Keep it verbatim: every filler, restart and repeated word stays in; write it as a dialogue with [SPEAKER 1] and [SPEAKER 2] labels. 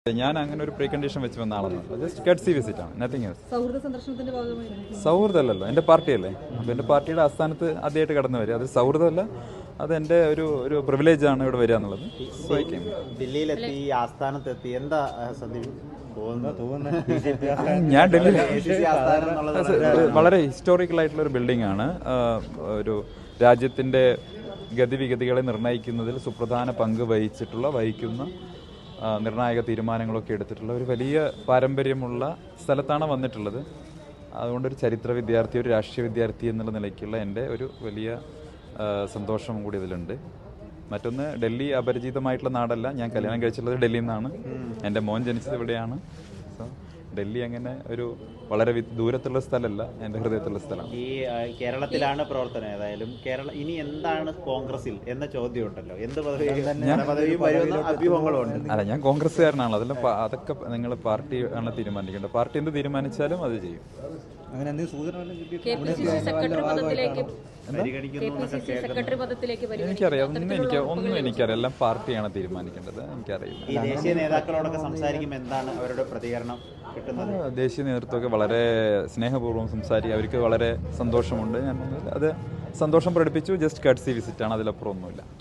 [SPEAKER 1] ഞാൻ അങ്ങനെ ഒരു പ്രീ കണ്ടീഷൻ വെച്ച് വന്ന ആളൊന്നും ജസ്റ്റ് കട്സി വിസിറ്റ് ആണ്, നത്തിങ് എൽസ്.
[SPEAKER 2] സൗഹൃദ സന്ദർശനത്തിന്റെ ഭാഗമായി
[SPEAKER 1] സൗഹൃദമല്ലല്ലോ, എൻ്റെ പാർട്ടിയല്ലേ. അപ്പോൾ എൻ്റെ പാർട്ടിയുടെ ആസ്ഥാനത്ത് ആദ്യമായിട്ട് കടന്നു വരിക, അത് സൗഹൃദമല്ല, അത് എൻ്റെ ഒരു ഒരു പ്രിവിലേജ് ആണ് ഇവിടെ വരിക എന്നുള്ളത്.
[SPEAKER 3] ദില്ലിയിലെത്തി ആസ്ഥാനത്തെത്തി എന്താ സന്ദീപ്
[SPEAKER 1] ഞാൻ ഡൽഹി വളരെ ഹിസ്റ്റോറിക്കൽ ആയിട്ടുള്ള ഒരു ബിൽഡിംഗ് ആണ്. ഒരു രാജ്യത്തിൻ്റെ ഗതിവിഗതികളെ നിർണ്ണയിക്കുന്നതിൽ സുപ്രധാന പങ്ക് വഹിച്ചിട്ടുള്ള വഹിക്കുന്ന നിർണായക തീരുമാനങ്ങളൊക്കെ എടുത്തിട്ടുള്ള ഒരു വലിയ പാരമ്പര്യമുള്ള സ്ഥലത്താണ് വന്നിട്ടുള്ളത്. അതുകൊണ്ടൊരു ചരിത്ര വിദ്യാർത്ഥി, ഒരു രാഷ്ട്രീയ വിദ്യാർത്ഥി എന്നുള്ള നിലയ്ക്കുള്ള എൻ്റെ ഒരു വലിയ സന്തോഷം കൂടി ഇതിലുണ്ട്. മറ്റൊന്ന്, ഡൽഹി അപരിചിതമായിട്ടുള്ള നാടല്ല. ഞാൻ കല്യാണം കഴിച്ചിട്ടുള്ളത് ഡൽഹിയിൽ നിന്നാണ്. എൻ്റെ മോൻ ജനിച്ചത് ഇവിടെയാണ്. സോ ഡൽഹി അങ്ങനെ ഒരു വളരെ ദൂരത്തുള്ള സ്ഥലമല്ല, എൻ്റെ ഹൃദയത്തുള്ള സ്ഥലമാണ്.
[SPEAKER 3] ഈ കേരളത്തിലാണ് പ്രവർത്തനം. ഏതായാലും കേരള ഇനി എന്താണ് കോൺഗ്രസിൽ എന്ന ചോദ്യം ഉണ്ടല്ലോ, എന്ത് അഭ്യൂഹങ്ങളുണ്ട്.
[SPEAKER 1] അല്ല, ഞാൻ കോൺഗ്രസ്സുകാരനാണ്. അതെല്ലാം അതൊക്കെ നിങ്ങൾ പാർട്ടി ആണ് തീരുമാനിക്കേണ്ടത്. പാർട്ടി എന്ത് തീരുമാനിച്ചാലും അത് ചെയ്യും. എനിക്കറിയാം, ഒന്നും എനിക്ക് ഒന്നും എനിക്കറിയാം. എല്ലാം പാർട്ടിയാണ് തീരുമാനിക്കേണ്ടത്. എനിക്കറിയില്ല.
[SPEAKER 3] ഈ ദേശീയ നേതാക്കളോടൊക്കെ സംസാരിക്കുമ്പോൾ എന്താണ് അവരുടെ പ്രതികരണം കിട്ടുന്നത്?
[SPEAKER 1] ദേശീയ നേതൃത്വമൊക്കെ വളരെ സ്നേഹപൂർവ്വം സംസാരിക്കുക. അവർക്ക് വളരെ സന്തോഷമുണ്ട്. ഞാൻ അത് സന്തോഷം പ്രകടിപ്പിച്ചു. ജസ്റ്റ് കട്സി വിസിറ്റാണ്, അതിലപ്പുറം ഒന്നുമില്ല.